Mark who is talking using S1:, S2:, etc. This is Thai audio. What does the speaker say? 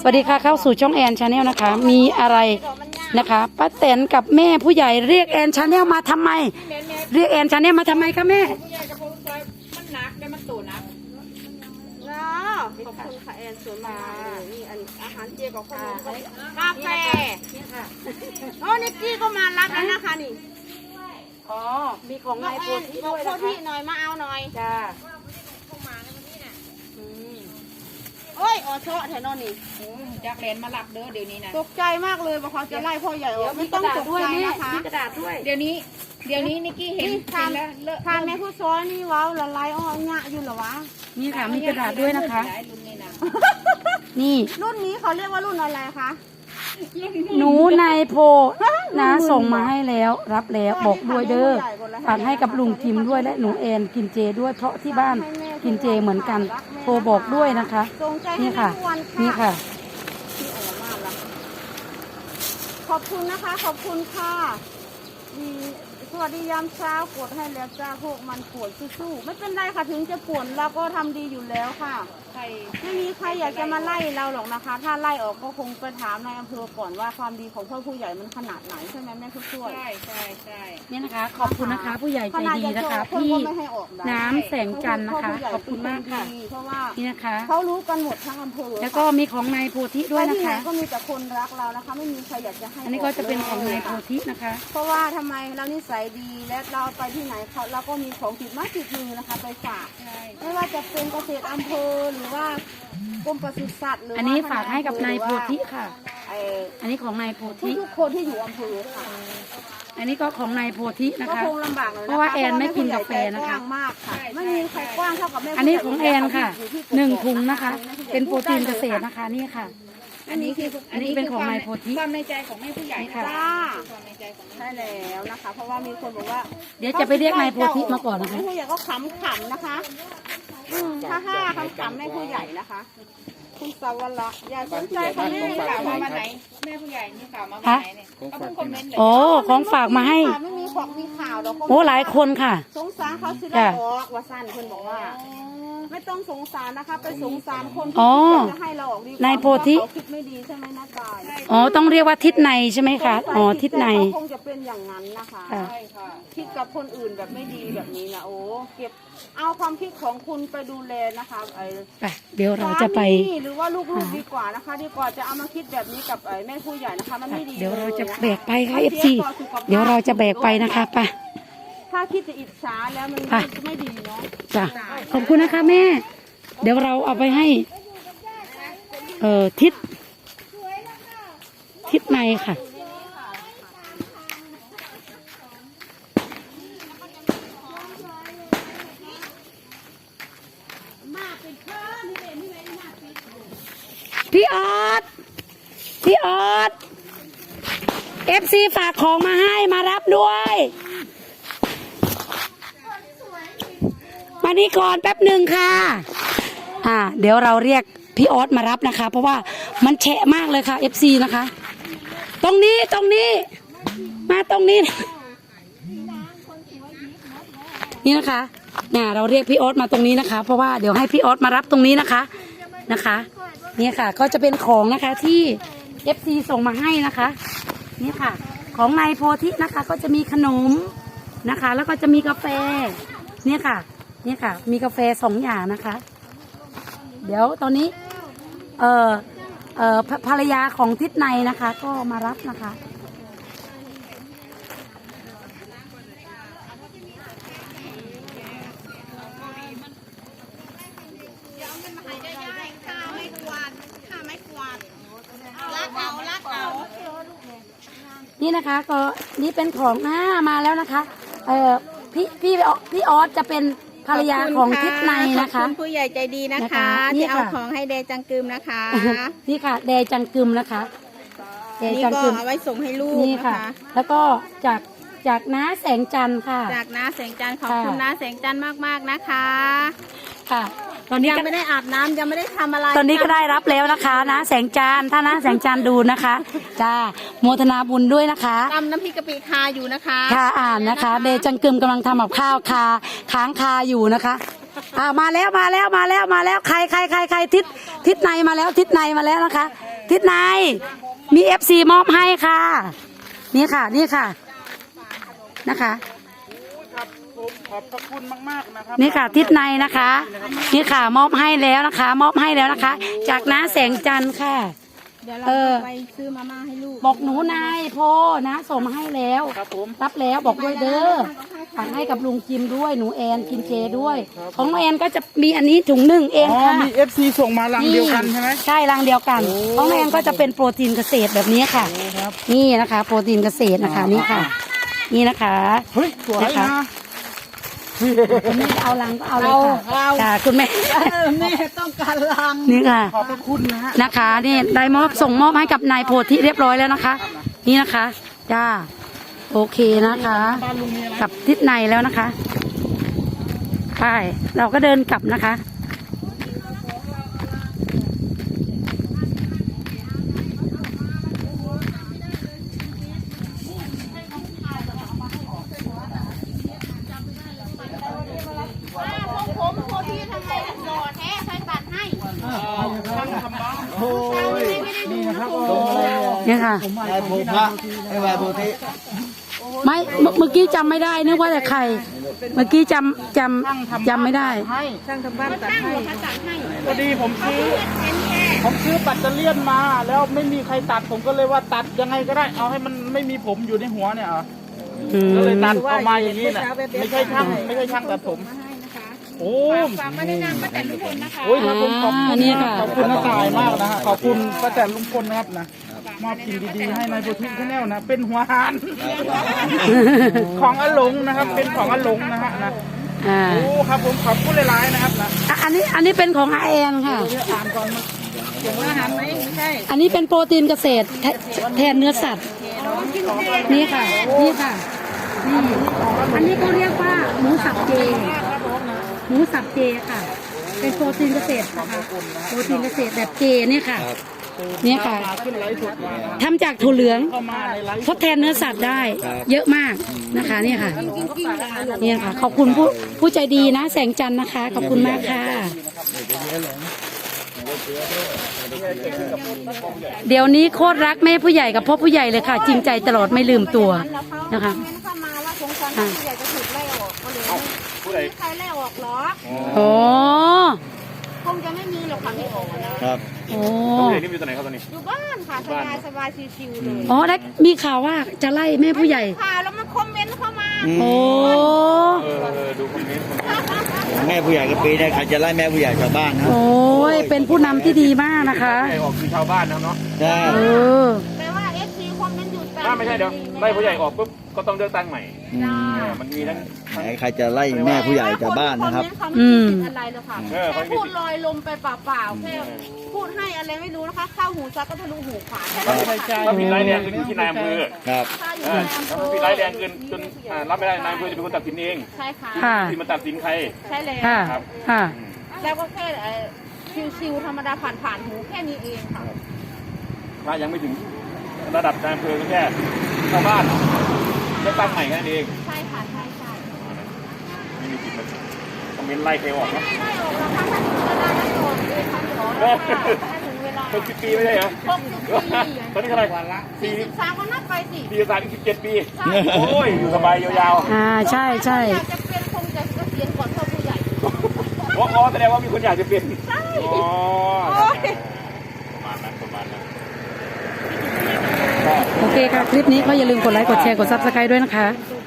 S1: สวัสดีค่ะเข้าสู่ช่องแอนชาแนลนะคะมีอะไรนะคะป้าแตนกับแม่ผู้ใหญ่เรียกแอนชาแนลมาทำไมเรียกแอนชาแนลมาทำไมคะแม่
S2: มันหนักได้มันตูนักขอบคุณค่ะแอนสวยมานี่อันอาหารเจกับข้าวกาแฟโอ้นิกกี้ก็มารับแล้วนะคะนี่
S1: อ๋อมีของนายโพธิด้วยนะคะ
S2: โพธิหน่อยมาเอาหน่อย
S1: จ้า
S2: โอ้ยอ๋อเชาะแถวนอนนี่
S3: จากเลนมาหลับเด้อเดี๋ยวนี้นะ
S2: ตกใจมากเลยบอกเขาจะไล่พ่อใหญ่ออกไม่ต้องตกใจนะคะ
S1: มีกระดาษด้วย
S3: เดี๋ยวนี้นิกกี้เห็นแล้ว
S2: ทานแม่ผู้ซ้อนนี่ว้าวละลายอ้อเงาะอยู่เหรอวะ
S1: นี่ค่ะมีกระดาษด้วยนะคะนี่
S2: รุ่นนี้เขาเรียกว่ารุ่นอะไรคะ
S1: หนูนายโพนะส่งมาให้แล้วรับแล้วบอกด้วยเด้อฝากให้กับลุงทิมด้วยและหนูแอนกินเจด้วยเพราะที่บ้านกินเจเหมือนกันโทรบอกด้วยนะคะนี่ค่ะนี่ค่ะ
S2: ขอบคุณนะคะขอบคุณค่ะสวัสดียามเช้ากดให้แล้วจ้าพวกมันปวดสู้ๆไม่เป็นไรค่ะถึงจะปวดเราก็ทำดีอยู่แล้วค่ะไม่มีใครอยากจะมาไล่เราหรอกนะคะ ถ้าไล่ออกก็คงไปถามในอำเภอก่อนว่าความดีของพ่อผู้ใหญ่มันขนาดไหนใช่ไหมแม่ผู้ช่วย
S3: ใช่
S1: นี่นะคะขอบคุณนะคะผู้ใหญ่ใจดีนะคะพี่น้ำแสงจันทร์นะคะขอบคุณมากค่ะ
S2: เพราะว่า
S1: นี่นะคะ
S2: เขารู้กันหมดทั้งอำเภอ
S1: แล้วก็มีของนายโพธิด้วยนะคะ
S2: ก็มีแต่คนรักเรานะคะไม่มีใครอยากจะให้
S1: อันนี้ก็จะเป็นของนายโพธินะคะ
S2: เพราะว่าทำไมเรานิสัยดีและเราไปที่ไหนเราก็มีของติดมาติดมือนะคะไปฝากไม่ว่าจะเป็นเกษตรอำเภอหรือว่ากรมปศุสัตว์หรือ
S1: อันนี้ฝากให้กับนายโพธิค่ะอันนี้ของนายโพธิ
S2: ทุกคนที่อยู่อำเภอค่ะ
S1: อันนี้ก็ของนายโพธินะคะ
S2: ก็คงลำบากเลย
S1: เพราะว่าแอนไม่กินกาแฟนะคะ
S2: มากค่ะไม่มีใครกว้างเท่ากับแม่
S1: อันนี้ของแอนค่ะ1 ถุงนะคะเป็นโปรตีนเกษตรนะคะนี่ค่ะอันนี้เป็นของนายโพธิ
S3: ความในใจของแม่ผู้ใหญ่
S1: ค่ะ
S3: ความในใจของ
S2: ใช่แล้วนะคะเพราะว่ามีคนบอกว่า
S1: เดี๋ยวจะไปเรียกนายโพธิมาก่อนนะคะ
S2: แม่ผู้ใหญ่ก็ขำๆนะคะถ้าขำๆแม่ผู้ใหญ่นะคะคุณสาวละอย่าสนใจเขาแม่
S3: กล่าวมาไหนแม่ผู้ใหญ่นี่กล่าวมาไหนเนี่ยเขาเพิ่งคอมเมนต์เลย
S1: โอ้ของฝากมาให้
S2: ไม่มีของมีข่าวหรอก
S1: โอ้หลายคนค่ะ
S2: สงสารเขาสิได้ออกว่าสั้นคนบอกว่าไม่ต้องสงสารนะคะไปสงสารคนที่จะให้เราออกดี
S1: นายโพธิ
S2: คิดไม่ดีใช่ไหมนะกาย
S1: อ๋อต้องเรียกว่าทิศในใช่ไหมคะอ๋อทิศใน
S2: คงจะเป็นอย่างนั้นนะคะใช่ค่ะคิดกับคนอื่นแบบไม่ดีแบบนี้นะโอ้เก็บเอาความคิดของคุณไปดูแลนะคะ
S1: เดี๋ยวเราจะไป
S2: หรือว่าลูกๆดีกว่านะคะดีกว่าจะเอามาคิดแบบนี้กับแม่ผู้ใหญ่นะคะมันไม่ดี
S1: เดี๋ยวเราจะแบกไปค่ะFCเดี๋ยวเราจะแบกไปนะคะไป
S2: ถ้าคิดจะอิจฉาแล้วมันไม่ดีเนาะ
S1: จ้ะขอบคุณนะคะแม่เดี๋ยวเราเอาไปให้ทิศในค่ะพี่ออดFC ฝากของมาให้มารับด้วยมานี่ก่อนแป๊บหนึ่งค่ะเดี๋ยวเราเรียกพี่ออสมารับนะคะเพราะว่ามันแฉะมากเลยค่ะ FC นะคะตรงนี้มาตรงนี้นี่นะคะเราเรียกพี่ออสมาตรงนี้นะคะเพราะว่าเดี๋ยวให้พี่ออสมารับตรงนี้นะคะนี่ค่ะก็จะเป็นของนะคะที่ FC ส่งมาให้นะคะนี่ค่ะของนายโพธินะคะก็จะมีขนมนะคะแล้วก็จะมีกาแฟนี่ค่ะมีกาแฟ2 อย่างนะคะเดี๋ยวตอนนี้ภรรยาของทิศในนะคะก็มารับนะคะนี่นะคะก็นี่เป็นของมาแล้วนะคะพี่ออสจะเป็นภรรยาของทิศในนะคะ
S2: ขอบคุณผู้ใหญ่ใจดีนะคะที่เอาของให้แดจังกึมนะคะ
S1: นี่ค่ะแดจังกึมนะคะ
S2: นี่ก็เอาไว้ส่งให้ลูกนะคะ
S1: แล้วก็จากน้าแสงจันทร์ค่ะ
S2: จากน้าแสงจันทร์ขอบคุณน้าแสงจันทร์มากๆนะคะ
S1: ค่ะตอนนี้
S2: ยังไม่ได้อาบน้ำยังไม่ได้ทำอะไร
S1: ตอนนี้ก็ได้รับแล้วนะคะนะแสงจันทร์ถ้านะแสงจันทร์ดูนะคะจ้าโมทนาบุญด้วยนะคะ
S2: ตำน้ำพริกกะปิคาอยู่นะคะ
S1: ค่ะนะคะเดจังกึมกำลังทำกับข้าวค้างคาอยู่นะคะมาแล้วใครทิศในมาแล้วทิศในมาแล้วนะคะทิศในมี FC มอบให้ค่ะ นี่ค่ะนี่ค่ะนะคะ
S4: ครับผมขอบพระคุณมากๆนะครับ
S1: นี่ค่ะทิศในนะคะนี่ค่ะมอบให้แล้วนะคะ มอบให้แล้วนะคะ จากน้าแสงจันทร์ค่ะ
S2: เดี๋ยวเรา
S1: เออ
S2: ไปซื้อมาม่าให้ลูก
S1: บอกหนูนายโพนะส่งมาให้แล้ว
S4: ครับผม
S1: รับแล้วบอกด้วยเด้อฝากให้กับลุงจิมด้วยหนูแอนกินเจด้วย ของน้องแอนก็จะมีอันนี้ถุงหนึ่งเอง
S4: อ๋อ
S1: ค่ะ
S4: มี FC ส่งมาลังเดียวกันใช่ไหม
S1: ใช่รังเดียวกันของน้องแอนก็จะเป็นโปรตีนเกษตรแบบนี้ค่ะ
S4: ครับ
S1: นี่นะคะ โปรตีนเกษตรนะคะนี่ค่ะ นี่นะคะ
S4: เฮ้ยสวย
S1: นะคะ
S4: นะ
S1: คุณแม่เอาลังก็เอาเลยค่ะค่ะคุณแม่
S2: แม่ต้องการลัง
S1: นี่ค่ะ
S4: ขอบพระคุณนะฮะ
S1: นะคะนี่ได้มอบส่งมอบให้กับนายโพธิเรียบร้อยแล้วนะคะ นี่นะคะจ้าโอเคนะคะ
S4: บ้านลุงมีอะไร
S1: กลับทิศในแล้วนะคะไปเราก็เดินกลับนะคะ
S2: ผมโคที่ทำไมหล่อแท้ใครตัดให้
S4: โอ้ยนี่นะครับโอ้
S1: เนี่ยค่ะ
S5: ไอ้โพพระไอ้วายโพธิ
S1: ไม่เมื่อกี้จำไม่ได้นึกว่าแต่ใคร เมื่อกี้จำไม่ได้
S4: ให้
S2: ช่างทำบ้านตัดให้ตัดให้
S4: พอดีผมซื้อปัตเตอร์เลียนมา แล้วไม่มีใครตัดผมก็เลยว่าตัดยังไงก็ได้เอาให้มันไม่มีผมอยู่ในหัวเนี่ยเหรอ
S1: อืม
S4: ก็เลยตัดออกมาอย่างนี้แหละไม่ใช่ช่างตัดผมโอ้
S3: ฝากมาในนามป้าแตนทุกคนนะคะ
S4: โอ้ยครับผมขอบคุณ
S1: นี่ค่ะ
S4: ขอบคุณน้าตายมากนะฮะขอบคุณป้าแตนลุงพลนะครับนะมอบสิ่งดีๆให้นายโพธิชาแนลนะเป็นหัวหานของอาหลงนะครับ เป็นของอาหลงนะฮะนะ
S1: อ่า
S4: โอ้ครับผมขอบคุณหลายๆนะครับนะ
S1: อ่ะอันนี้เป็นของอาแอนค่ะ
S4: เดี๋ยวอ่านก่อนมันเกี่ยวกับอาหารไหมไม่ใช่
S1: อันนี้เป็นโปรตีนเกษตรแทนเนื้อสัตว์ นี่ค่ะ นี่ค่ะนี่อันนี้เขาเรียกว่าหมูสับเจ หมูสับเจค่ะ เป็นโปรตีนเกษตรนะคะ โปรตีนเกษตรแบบเจเนี่ยค่ะ เนี่ยค่ะ
S4: ขึ้นไลฟ์สดมานะครับ
S1: ทำจากถั่วเหลือง
S4: เข้ามาในไลฟ์
S1: ทดแทนเนื้อสัตว์ได้ เยอะมากนะคะเนี่ยค่ะเนี่ยค่ะ ขอบคุณผู้ใจดีนะ แสงจันทร์นะคะ ขอบคุณมากค่ะ เดี๋ยวนี้โคตรรักแม่ผู้ใหญ่กับพ่อผู้ใหญ่เลยค่ะ จริงใจตลอดไม่ลืมตัวนะคะ
S2: เม้นเข้ามาว่าสงสารผู้ใหญ่จะถูกไล่ออกก็เลยไม่มีใครไล่ออกหรอก
S1: โอ้
S2: คงจะไม่มีหรอกค่ะไม่ออกนะ
S5: ครับ
S1: โอ้
S2: อยู่บ้านค่ะสบายสบายชิวๆเลย
S1: อ๋อได้มีข่าวว่าจะไล่แม่ผู้ใหญ่
S2: ค่ะแล้วมันคอมเมนต์เข้ามา
S1: โอ้
S5: แม่ผู้ใหญ่กับปีเนี่ยใครจะไล่แม่ผู้ใหญ่ชาวบ้านนะ
S1: โอ้ยเป็นผู้นำที่ดีมากนะคะ
S6: ออกคือชาวบ้านนะเนาะ
S5: ใช่
S1: เออ
S2: แต่ว่าเอฟซีคอมเมนต์อยู่แต่
S6: ถ้าไม่ใช่เดี๋ยวไล่ผู้ใหญ่ออกปุ๊บก็ต้องเลือกตั้งใหม่ มันมีทั้ง
S5: ไหนใครจะไล่แม่ผู้ใหญ่ชาวบ้านนะครับ
S2: คอมเมนต์เขาไม่ได้คิดอะไรเลยค่ะ
S6: เออ
S2: แค่พูดลอยลมไปเปล่าๆแค่พูดให้อะไรไม่รู้นะคะเข้าหูซักก็ทะลุหูขวาแค่นั้นค่ะ
S6: ถ้าผิดร้ายแรงเกินอยู่ที่นายอำเภอ
S5: ครับ
S2: ถ้าอยู่
S6: เอ
S2: ใน
S6: อ
S2: อำเภ
S6: ถ้า
S2: อ
S6: ผิดร้ายแรงเกินจนรับไม่ได้นายอำเภอจะเป็นคนตัดสินเอง
S2: ใช่ค่ะ
S1: ค่ะ
S6: ที่มันตัดสินใคร
S2: ใช่แล้ว
S1: ค่ะ ค่ะ
S2: แล้วก็แค่ชิวๆธรรมดาผ่านๆหูแค่นี้เองค่ะ
S6: ถ้ายังไม่ถึงระดับนายอำเภอก็แค่ชาวบ้านเลือกตั้งใหม่แค่นั้นเอง
S2: ใช่ค่ะใช่ใช่
S6: ไม่มีสิทธิ์มาคอมเมนต์ไล่ใครออกนะ
S2: ไม่ออกแล้วค่ะถ้าถึงเวลาแล้วค่ะถึงเวลา
S6: 60 ปีไม่ใช่เหรอ
S2: 60
S6: ตอนนี้เท่าไหร่
S2: 43ก็นับไปสิ
S6: 43 17 ปี โอ้ย อยู่สบายยาว
S1: อ่า ใช่ใช่
S2: อยากจะเป็นคงจะเกษียณก่อนพ่อผู้ใหญ่
S6: ๆอ๋อแสดงว่ามีคนอยากจะเป็น
S2: ใช่
S6: อ๋อ
S2: โอ้ย
S6: ประมาณนั้นประมาณนั้น
S1: โอเคค่ะ คลิปนี้ก็อย่าลืมกดไลค์ กดแชร์ กดซับสไครต์ด้วยนะคะ
S2: ส